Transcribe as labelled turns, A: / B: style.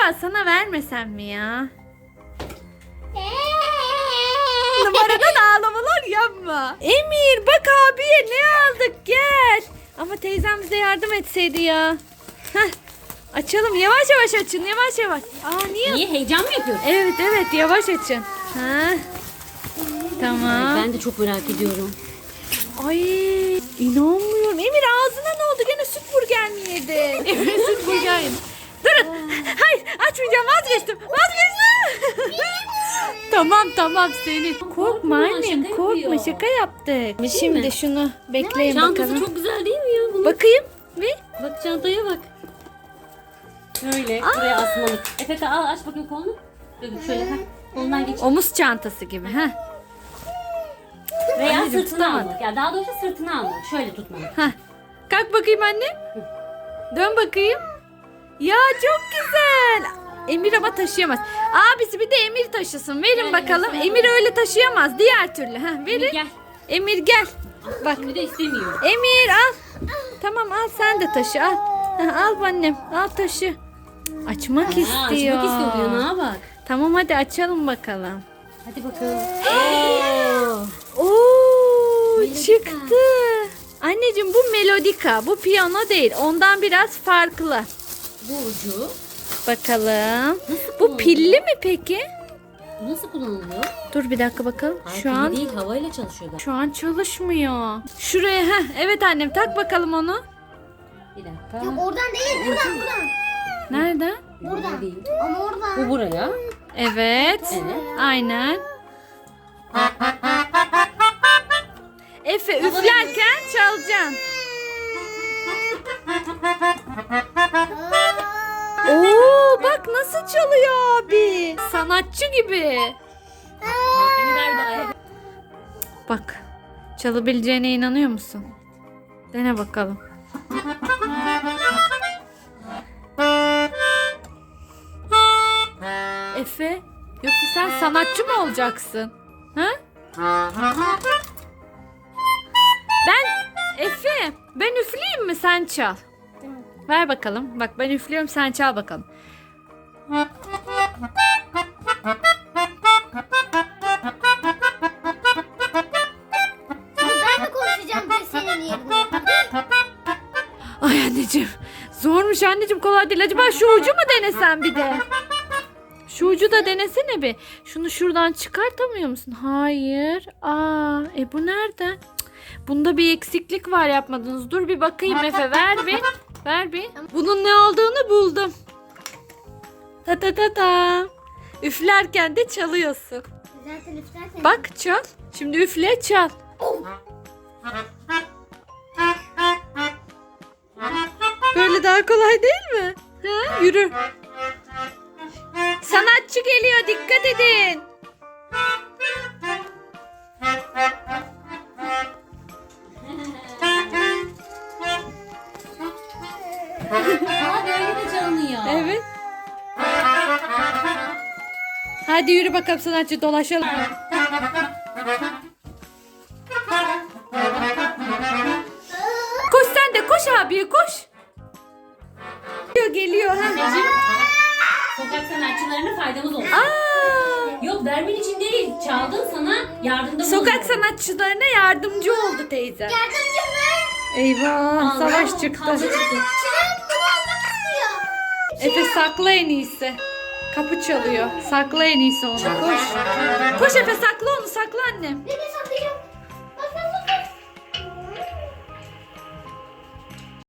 A: acaba sana vermesem mi ya? Numaradan ağlamalar yapma. Emir bak abiye ne aldık gel. Ama teyzem bize yardım etseydi ya. Heh. Açalım yavaş yavaş açın yavaş yavaş. Aa niye?
B: Niye, heyecan mı yapıyorsun?
A: Evet yavaş açın. Ha. Tamam.
B: Ben de çok merak ediyorum.
A: Ay inanmıyorum. Emir ağzına ne oldu? Gene süt burger mi yedin? Emir süt burger yedi. Durun. Hayır açmayacağım vazgeçtim. Tamam senin. Korkma annem
B: şaka
A: korkma
B: yapıyor.
A: şaka yaptık.
B: Değil
A: Şimdi
B: mi?
A: şunu bekleyin
B: Çantası
A: bakalım.
B: çok güzel değil mi ya? Bunun?
A: Bakayım. Bir.
B: Bak çantaya bak. Şöyle buraya asmalık. Efe al aç bakayım kolunu. Şöyle kolundan geç.
A: Omuz çantası gibi. Ha.
B: Veya
A: Anneciğim,
B: sırtına
A: tutamadım.
B: almak. Ya daha doğrusu sırtına almak. Şöyle tutmalık.
A: Ha. Kalk bakayım anne. Dön bakayım. Ya çok güzel. Emir ama taşıyamaz. Abisi bir de Emir taşısın. Verin
B: Gel,
A: bakalım.
B: gel,
A: Emir öyle taşıyamaz. Diğer türlü. Ha, verin.
B: Gel.
A: Emir gel. Bak.
B: Şimdi de istemiyor.
A: Emir al. Tamam al sen de taşı al. Ha, al annem. Al taşı. Açmak istiyor.
B: Açmak istiyor. Ne bak.
A: Tamam hadi açalım bakalım.
B: Hadi bakalım.
A: Oo
B: Melodika.
A: çıktı. Anneciğim bu melodika. Bu piyano değil. Ondan biraz farklı.
B: Bu ucu.
A: Bakalım. Bu
B: kullanılıyor?
A: pilli mi peki?
B: Nasıl kullanılıyor?
A: Dur bir dakika bakalım.
B: Hayır,
A: Şu
B: pili
A: an
B: değil, havayla çalışıyor da.
A: şu an çalışmıyor. Şuraya evet annem tak bakalım onu.
B: Bir dakika.
C: Yok oradan değil buradan.
A: Nerede?
B: Burada değil.
C: Ama oradan.
B: Bu buraya.
A: Evet.
B: Evet.
A: Aynen. Efe üflerken çalacaksın. Oo bak nasıl çalıyor abi. Sanatçı gibi.
B: Beni ver bana.
A: Bak çalabileceğine inanıyor musun? Dene bakalım. Efe yoksa sen sanatçı mı olacaksın? Ha? Ben üfleyeyim mi sen çal. Ver bakalım. Bak ben üflüyorum sen çal bakalım.
C: Ben de konuşacağım bir senin yerine.
A: Ay anneciğim. Zormuş anneciğim kolay değil. Acaba şu ucu mu denesen bir de? Şu ucu da denesene bir. Şunu şuradan çıkartamıyor musun? Hayır. Bu nereden? Cık, bunda bir eksiklik var yapmadınız. Dur bir bakayım Efe ver bir. Ver bir. Bunun ne olduğunu buldum. Ta ta ta ta. Üflerken de çalıyorsun.
C: Zaten üflersen.
A: Bak çal. Şimdi üfle çal. Böyle daha kolay değil mi? Ha, yürü. Sanatçı geliyor dikkat edin.
B: Aa böyle de çalınıyor.
A: Evet. Hadi yürü bakalım sanatçı dolaşalım. Koş sen de koş abi koş. Geliyor ha.
B: Anneciğim, sokak sanatçılarına faydamız olsun.
A: Aa,
B: Yok vermen için değil. Çaldın sana yardımda bulun.
A: sokak sanatçılarına yardımcı oldu teyze.
C: Yardımcı mı?
A: Eyvah
B: Allah,
A: savaş
B: kavga
A: çıktı.
B: çıktı.
C: Çınar bunu almak istiyor.
A: Efe sakla en iyisi. Kapı çalıyor. Sakla en iyisi onu. Koş. Koş Efe sakla onu sakla annem.
C: Beni